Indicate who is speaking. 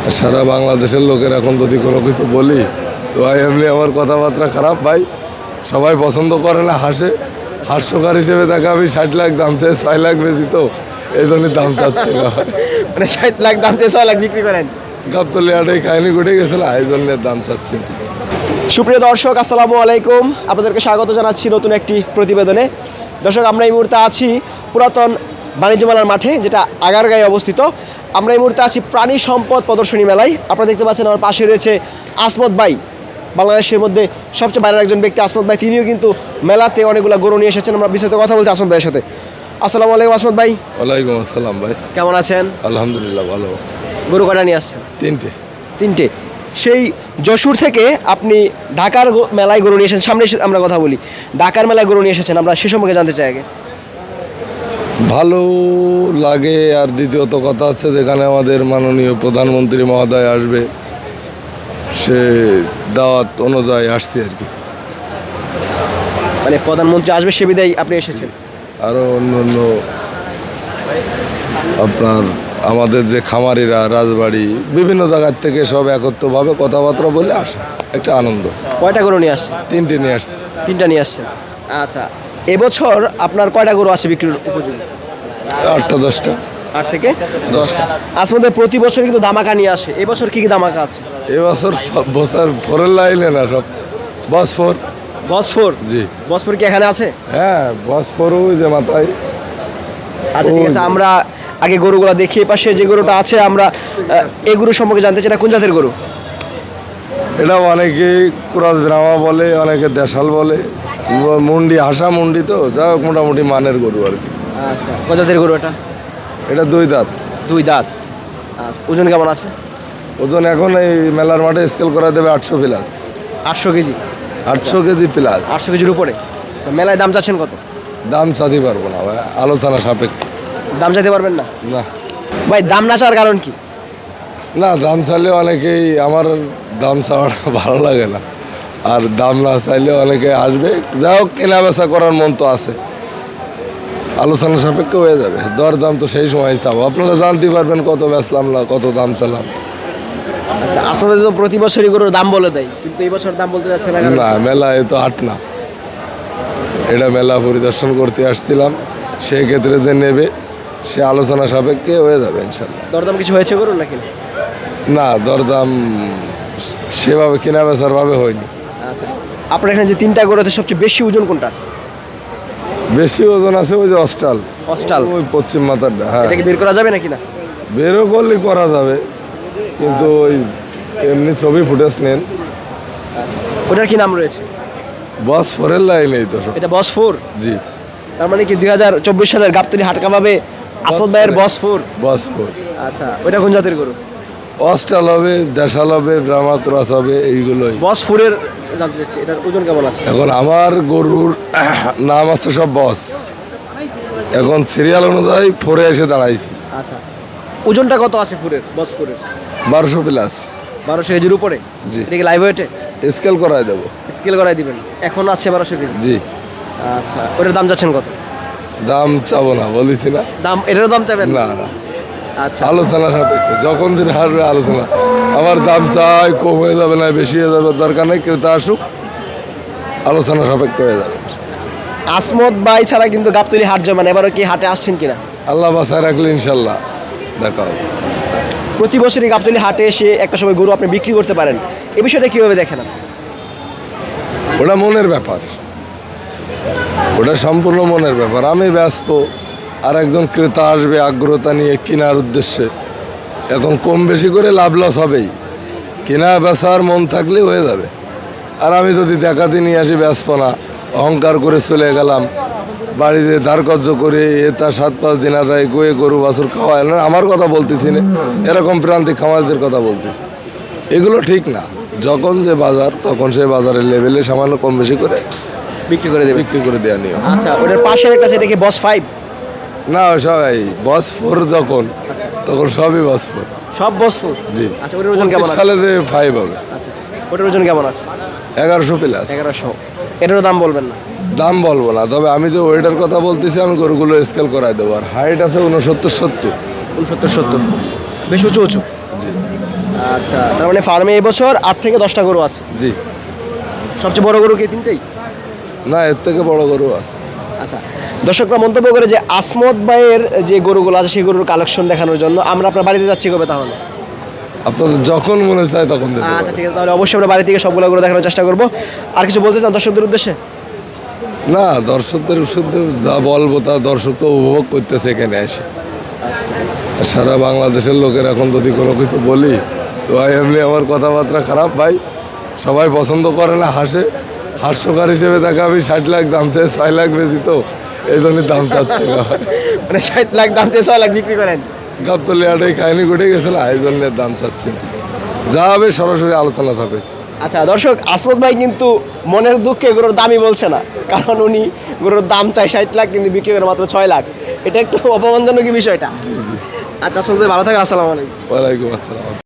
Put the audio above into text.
Speaker 1: সারা বাংলাদেশের লোকের এখন যদি কোনো কিছু বলি তো ভাই এমনি আমার কথাবার্তা খারাপ ভাই, সবাই পছন্দ করে না, হাসে, হাস্যকার হিসেবে দেখা আমি 60 লাখ দাম চেয়ে 6 লাখ বেশি, তো এই জন্যই দাম চাচ্ছি না।
Speaker 2: মানে 60 লাখ দাম চেয়ে 6 লাখ বিক্রি করেন।
Speaker 1: গাবতলি হাটেই খাইনি ঘটে গেছিল, এই জন্য দাম চাচ্ছি না।
Speaker 2: সুপ্রিয় দর্শক, আসসালামু আলাইকুম, আপনাদেরকে স্বাগত জানাচ্ছি নতুন একটি প্রতিবেদনে। দর্শক, আমরা এই মুহূর্তে আছি পুরাতন বাণিজ্য মেলার মাঠে, যেটা আগারগাঁয়ে অবস্থিত। আমরা এই মুহূর্তে আছি প্রাণী সম্পদ প্রদর্শনী মেলায়। আপনারা দেখতে পাচ্ছেন আমার পাশে রয়েছে আসমত ভাই, বাংলাদেশের মধ্যে সবচেয়ে বাইরের একজন ব্যক্তি আসমত ভাই। তিনিও কিন্তু মেলাতে অনেকগুলো গরু নিয়ে এসেছেন। আমরা বিস্তারিত কথা বলছি আসমত ভাইয়ের সাথে। আসসালামু আলাইকুম আসমত ভাই।
Speaker 1: ওয়ালাইকুম আসসালাম ভাই,
Speaker 2: কেমন আছেন?
Speaker 1: আলহামদুলিল্লাহ ভালো।
Speaker 2: গরু কটা নিয়ে আসছেন?
Speaker 1: তিনটে।
Speaker 2: সেই যশোর থেকে আপনি ঢাকার মেলায় গরু নিয়ে এসেছেন। সামনে আমরা কথা বলি, ঢাকার মেলায় গরু নিয়ে এসেছেন, আমরা সে সম্পর্কে জানতে চাই আগে।
Speaker 1: ভালো লাগে, আর দ্বিতীয়ত কথা হচ্ছে যেখানে আমাদের মাননীয় প্রধানমন্ত্রী মহোদয় আসবে, সে দাওয়াত অনুযায়ী আসছি আর কি।
Speaker 2: মানে প্রধানমন্ত্রী আসবে সে বিদায় আপনি এসেছেন?
Speaker 1: আরও অন্য অন্য আপনার আমাদের যে খামারিরা, রাজবাড়ি, বিভিন্ন জায়গার থেকে সব একত্রভাবে কথাবার্তা বলে আসে, একটা আনন্দ।
Speaker 2: কয়টা গরু নিয়ে আসছেন?
Speaker 1: তিনটে নিয়ে আসছে।
Speaker 2: তিনটা নিয়ে আসছেন, আচ্ছা। এবছর আপনার কয়টা গরু আছে বিক্রির উপযোগী?
Speaker 1: 8টা 10টা।
Speaker 2: 8 থেকে 10টা। আসলে প্রতি বছর কিন্তু দামাকা নিয়ে আসে, এবছর কি কি দামাকা আছে?
Speaker 1: এবছর বছর ফোরের লাইনে না, সব বস
Speaker 2: বসফোর।
Speaker 1: জি।
Speaker 2: বসফোর কি এখানে আছে?
Speaker 1: হ্যাঁ, বস ওই যে মাথায়।
Speaker 2: আচ্ছা, ঠিক আছে, আমরা আগে গরুগুলো দেখি। পাশে যে গরুটা আছে, আমরা এই গরু সম্পর্কে জানতে চাই। এটা কোন জাতের গরু?
Speaker 1: এটা অনেকেই ক্রস ব্রাহ্মা বলে, অনেকে দেশাল বলে, মুন্ডি, হাসা মুন্ডি, তো যা হোক মোটামুটি মানের গরু আর কি।
Speaker 2: আচ্ছা, কোন জাতের গরু এটা?
Speaker 1: এটা 2 দাঁত।
Speaker 2: 2 দাঁত। আচ্ছা, ওজন কেমন আছে?
Speaker 1: ওজন এখন এই মেলার মাঠে স্কেল করা দেবে 800 প্লাস।
Speaker 2: 800 কেজি?
Speaker 1: 800 KG plus.
Speaker 2: 800 কেজির উপরে। আচ্ছা, মেলায় দাম চাচ্ছেন কত?
Speaker 1: দাম চাঁদি পারবো না ভাই, আলোচনা সাপেক্ষে।
Speaker 2: দাম চাইতে পারবেন না
Speaker 1: না
Speaker 2: ভাই? দাম না চাওয়ার কারণ কি?
Speaker 1: না, দাম চাইলে অনেকেই, আমার দাম চাওয়াটা ভালো লাগে না, আর দাম না চাইলে অনেকে আসবে, যা হোক কেনা বেচা করার মন তো আছে, আলোচনা সাপেক্ষে হয়ে যাবে। দর দাম তো সেই সময় চাবো, আপনারা জানতে পারবেন কত বেচলাম না কত দাম চালাম।
Speaker 2: আচ্ছা, আসলে তো প্রতি বছরই গরুর দাম বলে দেয়, কিন্তু এই বছর দাম বলতে যাচ্ছে না কেন?
Speaker 1: না, মেলায় তো হাট না, এটা মেলা পরিদর্শন করতে আসছিলাম, সেই ক্ষেত্রে যে নেবে সে আলোচনা সাপেক্ষে হয়ে যাবে ইনশাল্লাহ।
Speaker 2: দরদাম কিছু হয়েছে গরুর নাকি?
Speaker 1: না, দরদাম সেভাবে কেনা বেচার ভাবে হয়নি।
Speaker 2: আচ্ছা, আপনার এখানে যে 3টা গরু আছে, সবচেয়ে বেশি ওজন কোনটা?
Speaker 1: বেশি ওজন আছে ওই যে অস্টাল,
Speaker 2: অস্টাল,
Speaker 1: ওই পশ্চিম মাথারটা। হ্যাঁ,
Speaker 2: এটা কি বের করা যাবে নাকি না?
Speaker 1: বেরো করলে করা যাবে, কিন্তু ওই এমনি ছবি ফুটেজ নেন।
Speaker 2: ওটার কি নাম রয়েছে?
Speaker 1: বস ফোরের লাইনেই তো সব।
Speaker 2: এটা বসফোর।
Speaker 1: জি।
Speaker 2: তার মানে কি 2024 সালের গাবতলী হাট কাবাবে আসমত ভাইয়ের বসফোর?
Speaker 1: বস ফোর।
Speaker 2: আচ্ছা, ওটা কোন জাতের গরু?
Speaker 1: অস্টাল হবে, দেশাল হবে, ব্রাহ্মা ক্রস হবে, এইগুলোই।
Speaker 2: বসফোরের জানতে চাচ্ছি, এটার ওজন কেমন আছে?
Speaker 1: এখন আমার গরুর নাম আছে সব বস, এখন সিরিয়াল অনুযায়ী ফোরে এসে দাঁড়াইছি।
Speaker 2: আচ্ছা, ওজনটা কত আছে ফুরের, বসফোরের?
Speaker 1: 1200 প্লাস।
Speaker 2: 1200 কেজির উপরে?
Speaker 1: জি।
Speaker 2: এটা কি লাইভ ওয়েটে?
Speaker 1: স্কেল করাই দেবো।
Speaker 2: স্কেল করাই দিবেন? এখন আছে 1200 কেজি।
Speaker 1: জি।
Speaker 2: আচ্ছা, ওটার দাম যাচ্ছেন কত?
Speaker 1: দাম চাবো না, বলেছি না।
Speaker 2: দাম, এটার দাম চাবেন
Speaker 1: না না,
Speaker 2: আচ্ছা,
Speaker 1: আলোচনা সাপেক্ষে, যখন যেটা হারবে আলোচনা। আমার দাম চাই, কম হয়ে যাবে না বেশি হয়ে যাবে, দরকার নেই, ক্রেতা আসুক, আলোচনা সাপেক্ষে হয়ে যাবে।
Speaker 2: আসমত ভাই ছাড়া কিন্তু গাবতলী হাট জমান। এবারও কি হাটে আসছেন কিনা?
Speaker 1: আল্লাহ বাসায় রাখলে ইনশাল্লাহ দেখা হবে।
Speaker 2: প্রতি বছরই গাবতলী হাটে এসে একটা সময় গরু আপনি বিক্রি করতে পারেন, এ বিষয়টা কীভাবে দেখেন আপনি?
Speaker 1: ওটা মনের ব্যাপার, ওটা সম্পূর্ণ মনের ব্যাপার। আমি ব্যস্ত, আর একজন ক্রেতা আসবে আগ্রহতা নিয়ে কেনার উদ্দেশ্যে, এখন কম বেশি করে লাভ লস হবেই, কেনা বেচার মন থাকলে হয়ে যাবে। আর আমি যদি দেখাতে নিয়ে আসি ব্যস্ত না, অহংকার করে চলে গেলাম, বাড়িতে ধারকর্য করে তা 7-5 দিন আদায় গয়ে গরু বাছুর খাওয়ায় না, আমার কথা বলতেছি না, এরকম প্রান্তিক খামারদের কথা বলতেছি, এগুলো ঠিক না। যখন যে বাজার, তখন সে বাজারের লেভেলে সামান্য কম বেশি করে
Speaker 2: বিক্রি করে দেবেন?
Speaker 1: বিক্রি করে দেওয়া নিয়ম।
Speaker 2: আচ্ছা, ওটার পাশের একটা সেটা কি বস 5?
Speaker 1: না, সবাই বস ফোর, যখন তখন সবই বস ফোর।
Speaker 2: সব বসফোর?
Speaker 1: জি।
Speaker 2: আচ্ছা, ওটার ওজন কেমন আছে?
Speaker 1: সালে যে 5 হবে।
Speaker 2: আচ্ছা, ওটার ওজন কেমন আছে?
Speaker 1: 1100 প্লাস।
Speaker 2: 1100। এটারও দাম বলবেন না?
Speaker 1: দাম বলবো না, তবে আমি যে ওয়েটার কথা বলতেছি, আমি গরুগুলো স্কেল করাই দেবো। আর হাইট আছে 69-70।
Speaker 2: 69-70, বেশ উঁচু উঁচু।
Speaker 1: জি
Speaker 2: আচ্ছা, তার মানে ফার্মে এবছর 8 থেকে 10টা গরু আছে।
Speaker 1: জি।
Speaker 2: সবচেয়ে বড় গরু কি তিনটেই?
Speaker 1: না, এর থেকে বড় গরু আছে।
Speaker 2: আচ্ছা, দর্শকরা মন্তব্য করে যে আসমত ভাইয়ের যে গরুগুলো আছে সেই গরুর কালেকশন দেখানোর জন্য আমরা আপনার বাড়িতে যাচ্ছি কবে তাহলে?
Speaker 1: আপনাদের যখন মনে চায় তখন দিতে
Speaker 2: আচ্ছা
Speaker 1: পারেন।
Speaker 2: ঠিক আছে, তাহলে অবশ্যই আমরা বাড়ি থেকে সবগুলো গরু দেখানোর চেষ্টা করব। আর কিছু বলতে চান দর্শকদের উদ্দেশ্যে?
Speaker 1: না, দর্শকদের শুধু যা বলবো তা দর্শক তো উপভোগ করতেছে এখানে এসে। আর সারা বাংলাদেশের লোকের এখন যদি কোনো কিছু বলি তো ভাই এমনি আমার কথাবার্তা খারাপ ভাই, সবাই পছন্দ করে না, হাসে। হাস্যকার হিসেবে তাকে আমি 60 লাখ দাম চাই, 6 লাখ বেশি তো এই জন্যই দাম চাচ্ছি না।
Speaker 2: মানে 60 লাখ দাম চেয়ে 6 লাখ বিক্রি করেন?
Speaker 1: গাবতলিয়াটাই খায়নি ঘটে গেছে না, এই জন্য দাম চাচ্ছি না। যা হবে সরাসরি আলোচনা হবে।
Speaker 2: আচ্ছা দর্শক, আসমত ভাই কিন্তু মনের দুঃখে গরুর দামই বলছে না, কারণ উনি গরুর দাম চাই 60 লাখ কিন্তু বিক্রি করে মাত্র 6 লাখ। এটা একটু অপমানজনক বিষয়টা। আচ্ছা আসমত ভাই, ভালো থাকেন, আসসালামু আলাইকুম।
Speaker 1: ওয়ালাইকুম আসসালাম।